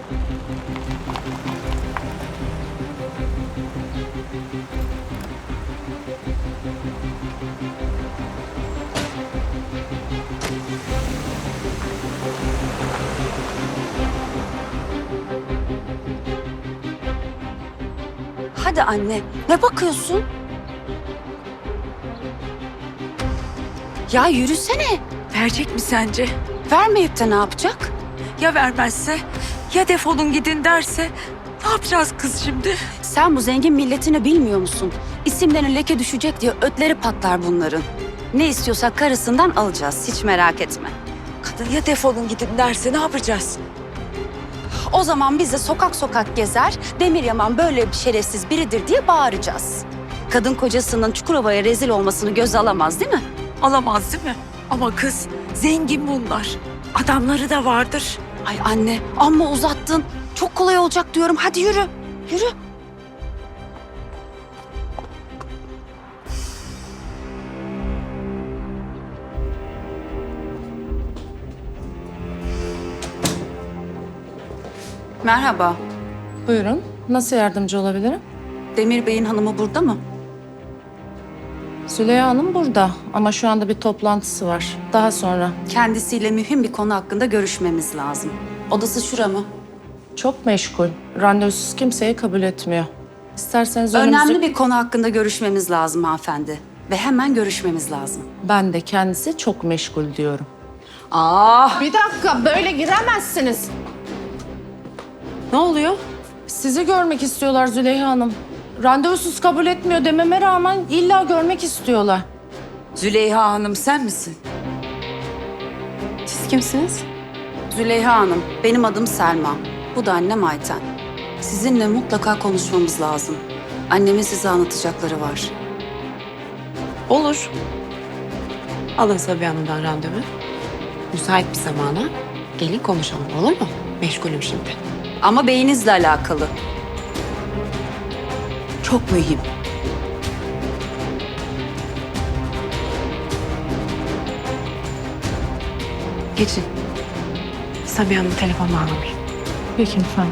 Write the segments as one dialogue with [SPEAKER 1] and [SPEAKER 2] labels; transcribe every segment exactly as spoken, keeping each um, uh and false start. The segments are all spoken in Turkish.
[SPEAKER 1] Hadi anne, ne bakıyorsun? Ya yürüsene.
[SPEAKER 2] Verecek mi sence?
[SPEAKER 1] Vermeyip de ne yapacak?
[SPEAKER 2] Ya vermezse? Ya defolun gidin derse? Ne yapacağız kız şimdi?
[SPEAKER 1] Sen bu zengin milletini bilmiyor musun? İsimlerine leke düşecek diye ötleri patlar bunların. Ne istiyorsak karısından alacağız, hiç merak etme.
[SPEAKER 2] Kadın ya defolun gidin derse ne yapacağız?
[SPEAKER 1] O zaman biz de sokak sokak gezer, Demir Yaman böyle bir şerefsiz biridir diye bağıracağız. Kadın kocasının Çukurova'ya rezil olmasını göze alamaz değil mi?
[SPEAKER 2] Alamaz değil mi? Ama kız zengin bunlar. Adamları da vardır.
[SPEAKER 1] Ay anne, amma uzattın. Çok kolay olacak diyorum. Hadi yürü, yürü. Merhaba.
[SPEAKER 3] Buyurun. Nasıl yardımcı olabilirim?
[SPEAKER 1] Demir Bey'in hanımı burada mı?
[SPEAKER 3] Züleyha Hanım burada ama şu anda bir toplantısı var. Daha sonra.
[SPEAKER 1] Kendisiyle mühim bir konu hakkında görüşmemiz lazım. Odası şura mı?
[SPEAKER 3] Çok meşgul. Randevusuz kimseyi kabul etmiyor. İsterseniz önümüzdeki...
[SPEAKER 1] Önemli bir konu hakkında görüşmemiz lazım hanımefendi. Ve hemen görüşmemiz lazım.
[SPEAKER 3] Ben de kendisi çok meşgul diyorum.
[SPEAKER 1] Ah!
[SPEAKER 3] Bir dakika, böyle giremezsiniz.
[SPEAKER 2] Ne oluyor?
[SPEAKER 3] Sizi görmek istiyorlar Züleyha Hanım. Randevusuz kabul etmiyor dememe rağmen illa görmek istiyorlar.
[SPEAKER 2] Züleyha Hanım sen misin?
[SPEAKER 3] Siz kimsiniz?
[SPEAKER 1] Züleyha Hanım, benim adım Selma. Bu da annem Ayten. Sizinle mutlaka konuşmamız lazım. Annemin size anlatacakları var.
[SPEAKER 4] Olur. Alın Sabiha Hanım'dan randevu. Müsait bir zamana gelin konuşalım, olur mu? Meşgulüm şimdi.
[SPEAKER 1] Ama beyinizle alakalı. Çok mühim.
[SPEAKER 4] Geçin. Sabiha Hanım telefon bağlamayın.
[SPEAKER 3] Peki efendim.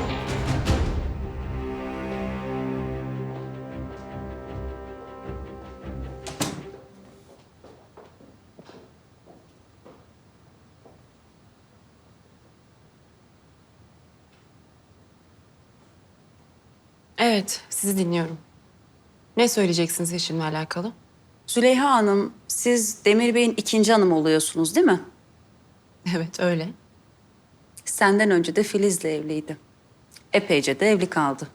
[SPEAKER 4] Evet, sizi dinliyorum. Ne söyleyeceksiniz eşimle alakalı?
[SPEAKER 1] Züleyha Hanım, siz Demir Bey'in ikinci hanımı oluyorsunuz değil mi?
[SPEAKER 4] Evet, öyle.
[SPEAKER 1] Senden önce de Filiz'le evliydi. Epeyce de evli kaldı.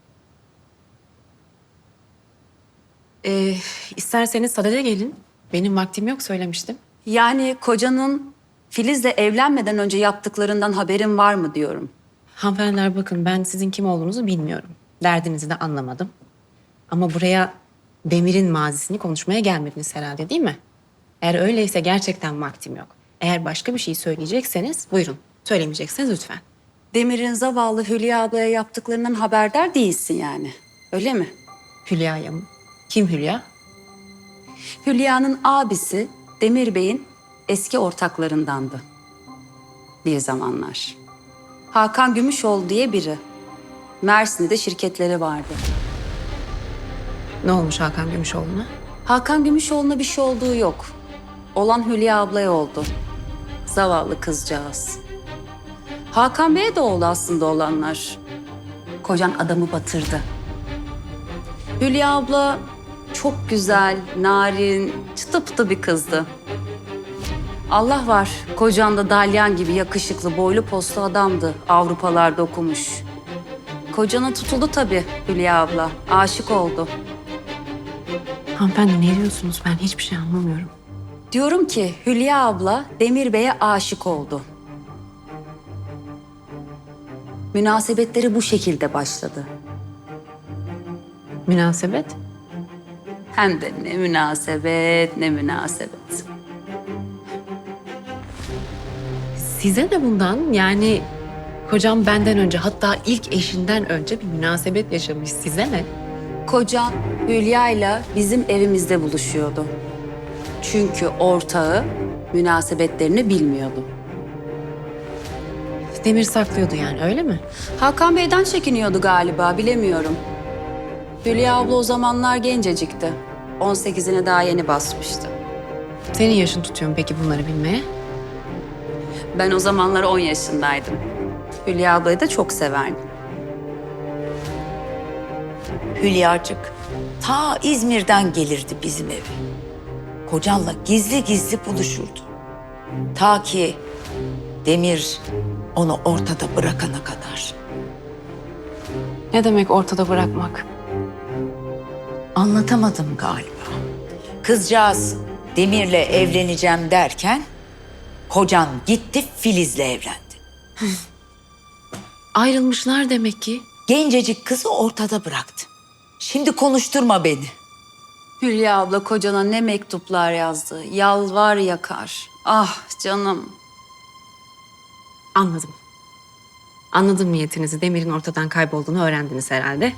[SPEAKER 4] Ee, isterseniz sadede gelin. Benim vaktim yok söylemiştim.
[SPEAKER 1] Yani kocanın Filiz'le evlenmeden önce yaptıklarından haberin var mı diyorum.
[SPEAKER 4] Hanımefendiler bakın ben sizin kim olduğunuzu bilmiyorum. Derdinizi de anlamadım. Ama buraya Demir'in mazisini konuşmaya gelmediniz herhalde değil mi? Eğer öyleyse gerçekten vaktim yok. Eğer başka bir şey söyleyecekseniz buyurun. Söylemeyecekseniz lütfen.
[SPEAKER 1] Demir'in zavallı Hülya ablaya yaptıklarından haberdar değilsin yani. Öyle mi?
[SPEAKER 4] Hülya'ya mı? Kim Hülya?
[SPEAKER 1] Hülya'nın abisi Demir Bey'in eski ortaklarındandı. Bir zamanlar. Hakan Gümüşoğlu diye biri. Mersin'de şirketleri vardı.
[SPEAKER 4] Ne olmuş Hakan Gümüşoğlu'na?
[SPEAKER 1] Hakan Gümüşoğlu'na bir şey olduğu yok. Olan Hülya ablaya oldu. Zavallı kızcağız. Hakan Bey'e de oldu aslında olanlar. Kocan adamı batırdı. Hülya abla çok güzel, narin, çıtı pıtı bir kızdı. Allah var, kocan da dalyan gibi yakışıklı, boylu poslu adamdı. Avrupalarda okumuş. Kocana tutuldu tabii Hülya abla. Aşık oldu.
[SPEAKER 4] Hanımefendi ne diyorsunuz? Ben hiçbir şey anlamıyorum.
[SPEAKER 1] Diyorum ki Hülya abla Demir Bey'e aşık oldu. Münasebetleri bu şekilde başladı.
[SPEAKER 4] Münasebet?
[SPEAKER 1] Hem de ne münasebet, ne münasebet.
[SPEAKER 4] Size de bundan yani kocam benden önce hatta ilk eşinden önce bir münasebet yaşamış. Size ne?
[SPEAKER 1] Kocam Hülya ile bizim evimizde buluşuyordu. Çünkü ortağı münasebetlerini bilmiyordu.
[SPEAKER 4] Demir saklıyordu yani, öyle mi?
[SPEAKER 1] Hakan Bey'den çekiniyordu galiba, bilemiyorum. Hülya abla o zamanlar gencecikti. on sekizine daha yeni basmıştı.
[SPEAKER 4] Senin yaşın tutuyor mu peki bunları bilmeye?
[SPEAKER 1] Ben o zamanlar on yaşındaydım. Hülya ablayı da çok severdim.
[SPEAKER 2] Hülyacık ta İzmir'den gelirdi bizim eve. Kocanla gizli gizli buluşurdu. Ta ki Demir onu ortada bırakana kadar.
[SPEAKER 4] Ne demek ortada bırakmak?
[SPEAKER 2] Anlatamadım galiba. Kızcağız Demir'le evleneceğim derken kocan gitti Filiz'le evlendi.
[SPEAKER 4] Ayrılmışlar demek ki.
[SPEAKER 2] Gencecik kızı ortada bıraktı. Şimdi konuşturma beni.
[SPEAKER 1] Hülya abla kocana ne mektuplar yazdı. Yalvar yakar. Ah canım.
[SPEAKER 4] Anladım. Anladım niyetinizi. Demir'in ortadan kaybolduğunu öğrendiniz herhalde.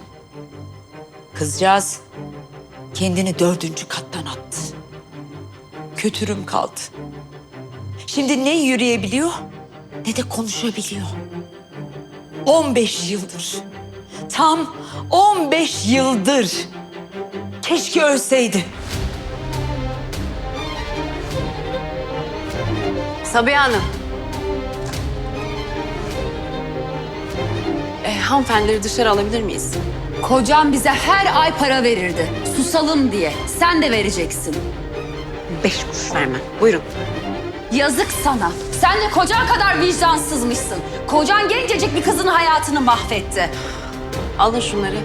[SPEAKER 2] Kızcağız kendini dördüncü kattan attı. Kötürüm kaldı. Şimdi ne yürüyebiliyor ne de konuşabiliyor. On beş yıldır. Tam on beş yıldır. Keşke ölseydi.
[SPEAKER 4] Sabiha Hanım. E, hanımefendileri dışarı alabilir miyiz?
[SPEAKER 1] Kocam bize her ay para verirdi. Susalım diye. Sen de vereceksin.
[SPEAKER 4] Beş kuruş vermem. Buyurun.
[SPEAKER 1] Yazık sana. Sen de kocan kadar vicdansızmışsın. Kocan gencecik bir kızın hayatını mahvetti.
[SPEAKER 4] Alın şunları.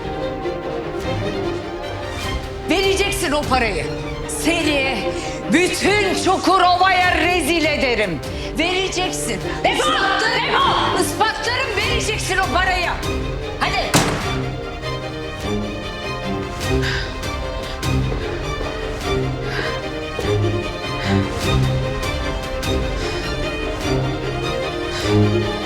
[SPEAKER 2] Vereceksin o parayı. Seni bütün Çukurova'ya rezil ederim. Vereceksin. Defol! Defol! Ispatlarım, vereceksin o parayı. Hadi.
[SPEAKER 4] Thank you.